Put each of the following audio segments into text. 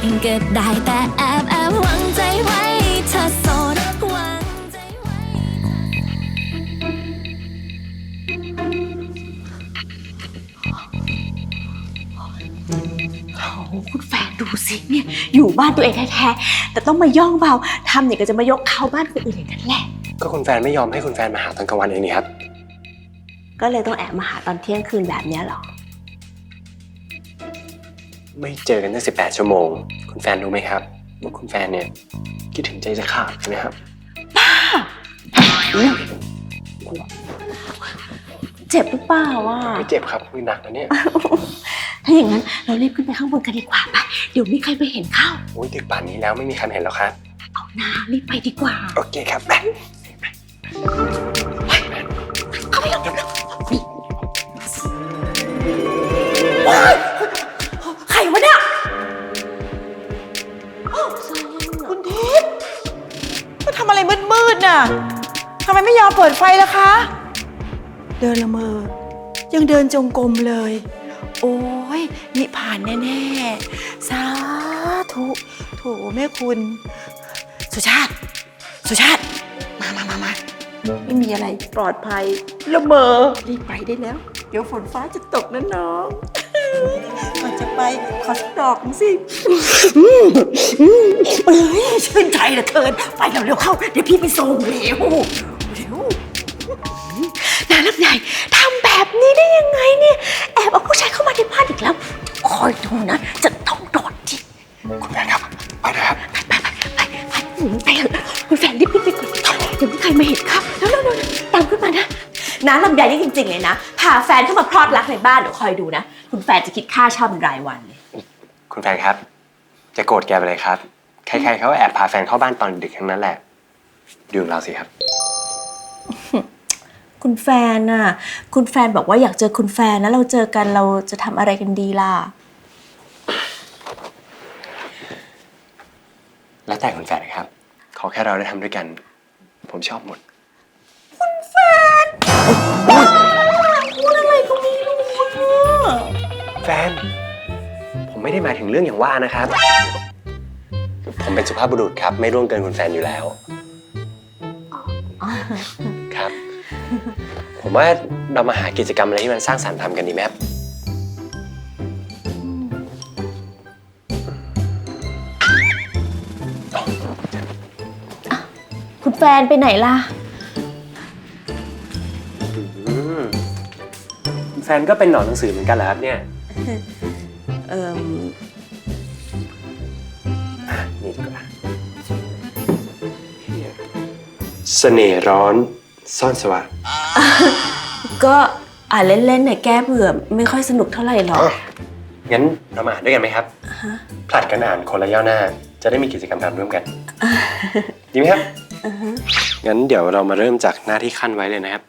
ก็ได้แต่แอบหวังใจไว้เธอโสดหวังใจไว้คุณแฟนดูสิเนี่ยอยู่บ้านตัวเองแท้ๆแต่ต้องมาย่องเบาทำเนี่ยก็จะมายกเขาบ้านคนอื่นอย่างนั้นแหละก็คุณแฟนไม่ยอมให้คุณแฟนมาหาตอนกลางวันเองนี่ครับก็เลยต้องแอบมาหาตอนเที่ยงคืนแบบเนี้ยหรอไม่เจอกันตั้ง18 ชั่วโมงคุณแฟนรู้ไหมครับว่าคุณแฟนเนี่ยคิดถึงใจจะขาดใช่ไหมครับเจ็บหรือเปล่าวะไม่เจ็บครับมือหนักนะเนี่ยถ้าอย่างนั้นเรารีบขึ้นไปข้างบนกันดีกว่าไปเดี๋ยวมีใครไปเห็นเข้าโอ้ยดึกป่านนี้แล้วไม่มีใครเห็นแล้วครับเอาหน้ารีบไปดีกว่าโอเคครับไปเข้าไปเร็วใครวะเนี่ยคุณทิพย์มาทำอะไรมืดๆน่ะทำไมไม่ยอมเปิดไฟล่ะคะ เดินละเมอ ยังเดินจงกรมเลย โอ้ยนิพพานแน่ๆ สาธุโถแม่คุณ สุชาติ สุชาติ มาไม่มีอะไรปลอดภัยละเมอ รีบไปได้แล้ว เดี๋ยวฝนฟ้าจะตกนะน้องมันจะไปขอสักดอกหนึ่งสิเอ้ยชื่นใจเหลือเกิน ไปเร็วๆเข้า เดี๋ยวพี่ไปส่งเร็วนาลำใหญ่ทำแบบนี้ได้ยังไงเนี่ยแอบเอาผู้ชายเข้ามาในบ้านอีกแล้วคอยดูนะจะต้องโดนจิกคุณแฟนครับไปเลยครับไปเถอะคุณแฟนรีบขึ้นไปก่อนเดี๋ยวมีใครมาเห็นครับแล้วตามขึ้นมานะน้าลำใหญ่นี่จริงๆเลยนะพาแฟนเข้ามาพลอดรักในบ้านเดี๋ยวคอยดูนะคุณแฟนจะคิดค่าเช่าเป็นรายวันเลยคุณแฟนครับ จะโกรธแกไปเลยครับใครๆเขาแอบพาแฟนเข้าบ้านตอนดึกทั้งนั้นแหละดูของเราสิครับคุณแฟนน่ะคุณแฟนบอกว่าอยากเจอคุณแฟนนะเราเจอกันเราจะทำอะไรกันดีล่ะแล้วแต่คุณแฟนครับขอแค่เราได้ทำด้วยกันผมชอบหมดพูดอะไรก็ไม่รู้อะแฟนผมไม่ได้หมายถึงเรื่องอย่างว่านะครับผมเป็นสุภาพบุรุษครับไม่ร่วงเกินคุณแฟนอยู่แล้วครับผมว่าเรามาหากิจกรรมอะไรที่มันสร้างสรรค์ทำกันดีไหมครับคุณแฟนไปไหนล่ะแฟนก็เป็นหนอนหนังสือเหมือนกันเหรอครับเนี่ยนี่ดีกว่าเสน่ห์ร้อนซ่อนสว่างก็อ่านเล่นๆเนี่ยแก้เบื่อไม่ค่อยสนุกเท่าไหร่หรอกงั้นเรามาอ่านด้วยกันไหมครับผลัดกันอ่านคนละย่อหน้าจะได้มีกิจกรรมทำร่วมกันดีไหมครับงั้นเดี๋ยวเรามาเริ่มจากหน้าที่ขั้นไว้เลยนะครับ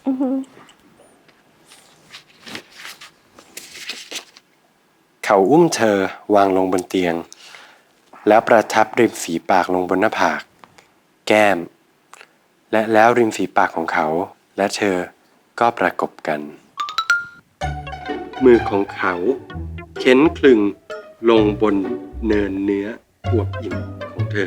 เขาอุ้มเธอวางลงบนเตียงแล้วประทับริมฝีปากลงบนหน้าผากแก้มและแล้วริมฝีปากของเขาและเธอก็ประกบกันมือของเขาเข็นคลึงลงบนเนินเนื้ออวบอิ่มของเธอ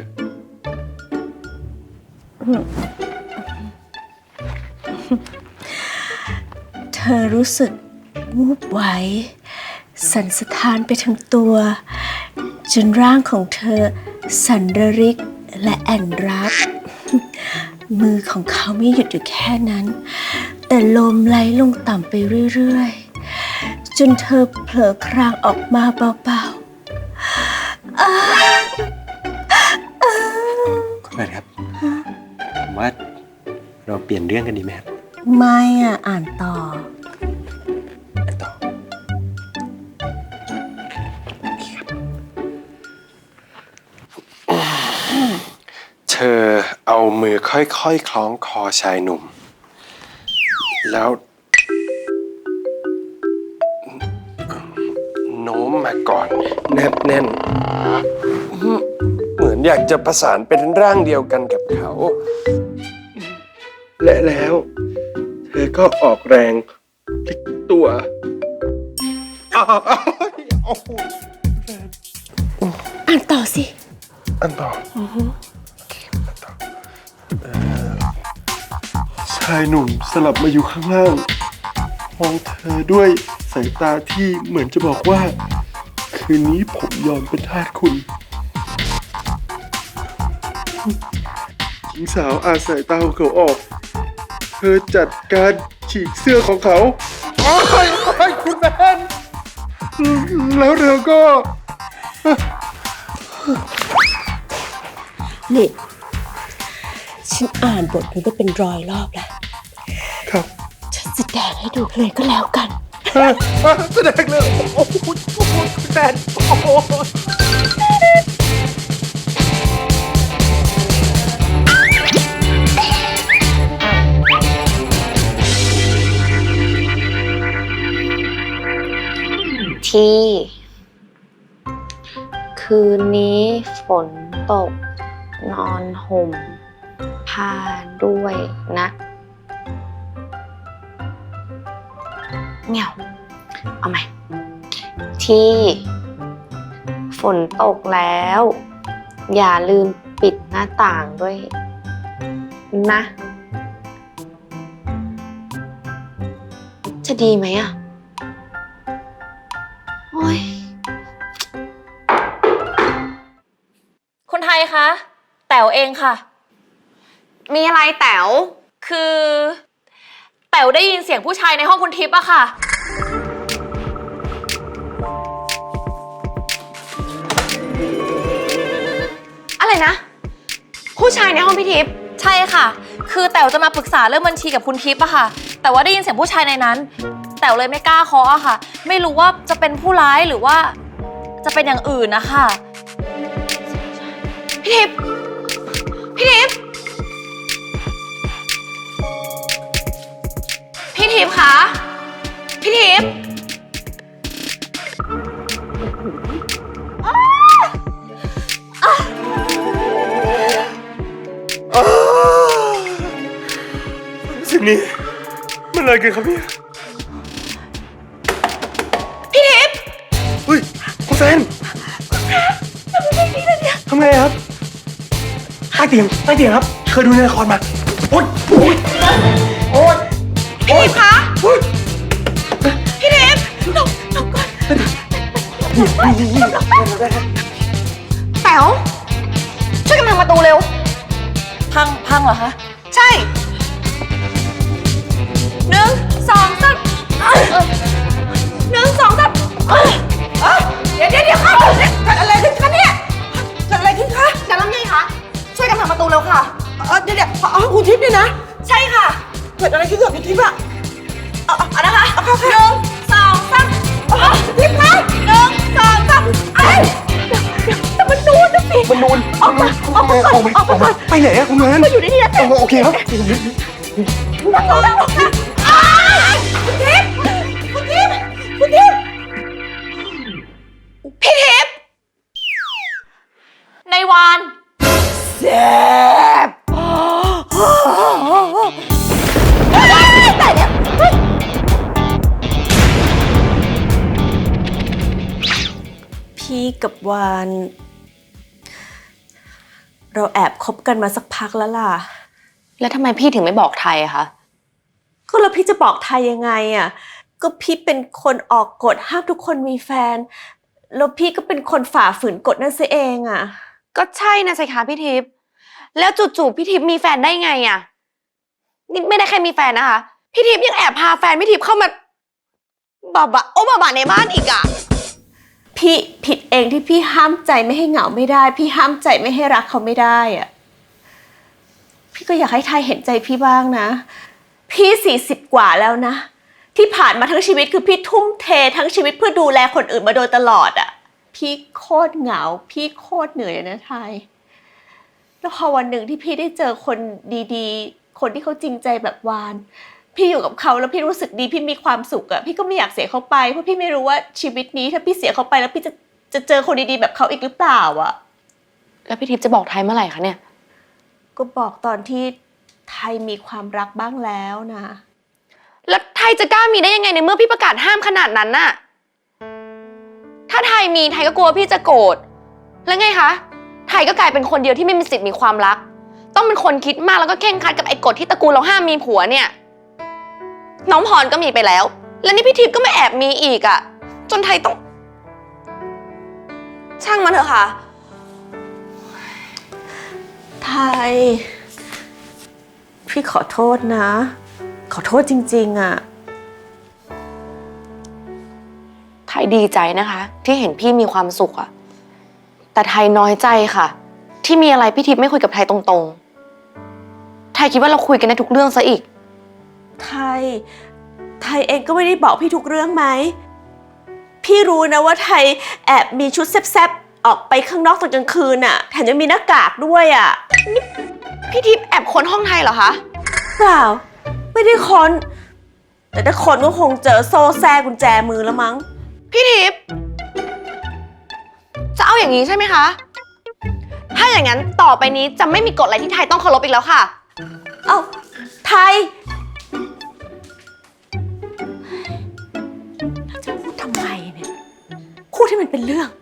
เธอรู้สึกวูบไหวสั่นสะท้านไปทั้งตัวจนร่างของเธอสั่นระริกและแอนรักมือของเขาไม่หยุดอยู่แค่นั้นแต่ลมไหลลงต่ำไปเรื่อยๆจนเธอเผลอครางออกมาเบาๆคุณแม่ครับผมว่าเราเปลี่ยนเรื่องกันดีไหมครับไม่อ่านต่อต่อเธอเอามือค่อยๆคล้องคอชายหนุ่มแล้วโน้มมาก่อนแนบแน่นเหมือนอยากจะประสานเป็นร่างเดียวกันกับเขาและแล้วเธอก็ออกแรงพลิกตัวอ่านสิอันต่อโอเคอันต่อชายหนุ่มสลับมาอยู่ข้างล่างมองเธอด้วยสายตาที่เหมือนจะบอกว่า คืนนี้ผมยอมเป็นทาสคุณหญิงสาวอาสายตาของเขาออก เธอจัดการฉีกเสื้อของเขาโอ้ยคุณแมนแล้วเธอก็นี่ ฉันอ่านบทนี้ได้เป็น100 รอบแล้วครับฉันแสดงให้ดูเลยก็แล้วกันแสดงเลยโอ้โหคุณแมนโอ้โหที่คืนนี้ฝนตก นอนห่มผ้าด้วยนะเงี่ยวเอาใหม่ที่ฝนตกแล้ว อย่าลืมปิดหน้าต่างด้วยนะจะดีไหมอ่ะโอ้ยคุณไทยคะแต๋วเองค่ะมีอะไรแต๋วคือแต๋วได้ยินเสียงผู้ชายในห้องคุณทิพย์อะค่ะอะไรนะ ผู้ชายในห้องพี่ทิพย์ใช่ค่ะ คือแต๋วจะมาปรึกษาเรื่องบัญชีกับคุณทิพย์อะค่ะ แต่ว่าได้ยินเสียงผู้ชายในนั้นแต๋วเลยไม่กล้าเคาะอะค่ะ ไม่รู้ว่าจะเป็นผู้ร้ายหรือว่าจะเป็นอย่างอื่นนะคะพี่ทิพย์พี่ทิพย์พี่ทิพย์คะพี่ทิพย์สิ่งนี้มันอะไรกันครับเนี่ยพี่ทิพย์เฮ้ยคุณแฟนทำไงครับใต้เตียงครับ เคยดูในละครมาโอ๊ยโอ๊ยโอ๊ยพี่ทิพย์คะโอ๊ยพี่ทิพย์หลบก่อนแต๋วช่วยกันพังประตูเร็วพังเหรอคะใช่ 1 2 3 1 2 3เดี๋ยวค่ะเกิดอะไรขึ้นคะเนี่ยเกิดอะไรขึ้นคะแต่ลำไยคะช่วยกันพังประตูเร็วค่ะเดี๋ยวคุณทิพย์เนี่ยนะใช่ค่ะเกิดอะไรขึ้นกับคุณทิพย์อะเอานะคะ1 2 3 ทิพย์คะแต่มันนูนนะสิมันนูนออกมาไปไหนอะคุณแมนมาอยู่ในนี้นะโอเคครับประตูแล้วค่ะคุณทิพย์พี่ทิพย์ในวานแซ่บแต่เนี่ยพี่กับวาน เราแอบคบกันมาสักพักแล้วล่ะแล้วทำไมพี่ถึงไม่บอกไทยอะคะก็แล้วพี่จะบอกไทยยังไงอ่ะ ก็พี่เป็นคนออกกฎห้ามทุกคนมีแฟน แล้วพี่ก็เป็นคนฝ่าฝืนกฎนั่นซะเองอ่ะก็ใช่นะสิคะพี่ทิพย์แล้วจู่ๆพี่ทิพย์มีแฟนได้ไงอะนี่ไม่ได้แค่มีแฟนนะคะพี่ทิพย์ยังแอบพาแฟนพี่ทิพย์เข้ามาบาในบ้านอีกอะพี่ผิดเองที่พี่ห้ามใจไม่ให้เหงาไม่ได้ พี่ห้ามใจไม่ให้รักเขาไม่ได้อ่ะ พี่ก็อยากให้ไทยเห็นใจพี่บ้างนะ พี่40 กว่าแล้วนะ ที่ผ่านมาทั้งชีวิตคือพี่ทุ่มเททั้งชีวิตเพื่อดูแลคนอื่นมาโดยตลอดอ่ะ พี่โคตรเหงา พี่โคตรเหนื่อยนะไทย แล้วพอวันหนึ่งที่พี่ได้เจอคนดีๆ คนที่เขาจริงใจแบบวาน พี่อยู่กับเขาแล้วพี่รู้สึกดีพี่มีความสุขอะพี่ก็ไม่อยากเสียเขาไปเพราะพี่ไม่รู้ว่าชีวิตนี้ถ้าพี่เสียเขาไปแล้วพี่จะเจอคนดีๆแบบเขาอีกหรือเปล่าอะแล้วพี่ทิพย์จะบอกไทยเมื่อไหร่คะเนี่ยก็บอกตอนที่ไทยมีความรักบ้างแล้วนะแล้วไทยจะกล้ามีได้ยังไงในเมื่อพี่ประกาศห้ามขนาดนั้นน่ะถ้าไทยมีไทยก็กลัวพี่จะโกรธแล้วไงคะไทยก็กลายเป็นคนเดียวที่ไม่มีสิทธิ์มีความรัก ต้องเป็นคนคิดมากแล้วก็เคร่งครัดกับไอ้กฎที่ตระกูลเราห้ามมีผัวเนี่ย น้องพรก็มีไปแล้ว แล้วนี่พี่ทิพย์ก็ไม่แอบมีอีกอะจนไทยต้อง ช่างมันเถอะค่ะไทย พี่ขอโทษนะ ขอโทษจริงๆอะไทยดีใจนะคะ ที่เห็นพี่มีความสุขอะแต่ไทยน้อยใจค่ะ ที่มีอะไรพี่ทิพย์ไม่คุยกับไทยตรงๆ ไทยคิดว่าเราคุยกันได้ทุกเรื่องซะอีกไทยเองก็ไม่ได้บอกพี่ทุกเรื่องไหม พี่รู้นะว่าไทยแอบมีชุดแซ่บๆออกไปข้างนอกตอนกลางคืนอะแถมยังมีหน้ากากด้วยอะพี่ทิพย์แอบค้นห้องไทยเหรอคะเปล่า ไม่ได้ค้น แต่ถ้าค้นก็คงเจอโซ่แซ่กุญแจมือแล้วมั้งพี่ทิพย์จะเอาอย่างนี้ใช่ไหมคะ ถ้าอย่างนั้นต่อไปนี้จะไม่มีกฎอะไรที่ไทยต้องเคารพอีกแล้วค่ะเอ้าไทยเราจะพูดทำไมเนี่ยพูดให้มันเป็นเรื่อง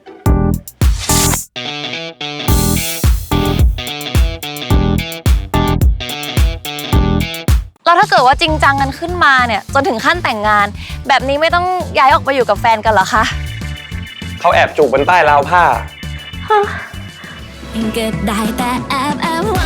แล้วถ้าเกิดว่าจริงจังกันขึ้นมาเนี่ยจนถึงขั้นแต่งงาน แบบนี้ไม่ต้องย้ายออกไปอยู่กับแฟนกันเหรอคะเขาแอบจูบบนใต้ราวผ้าก็ได้แต่แอบหวัง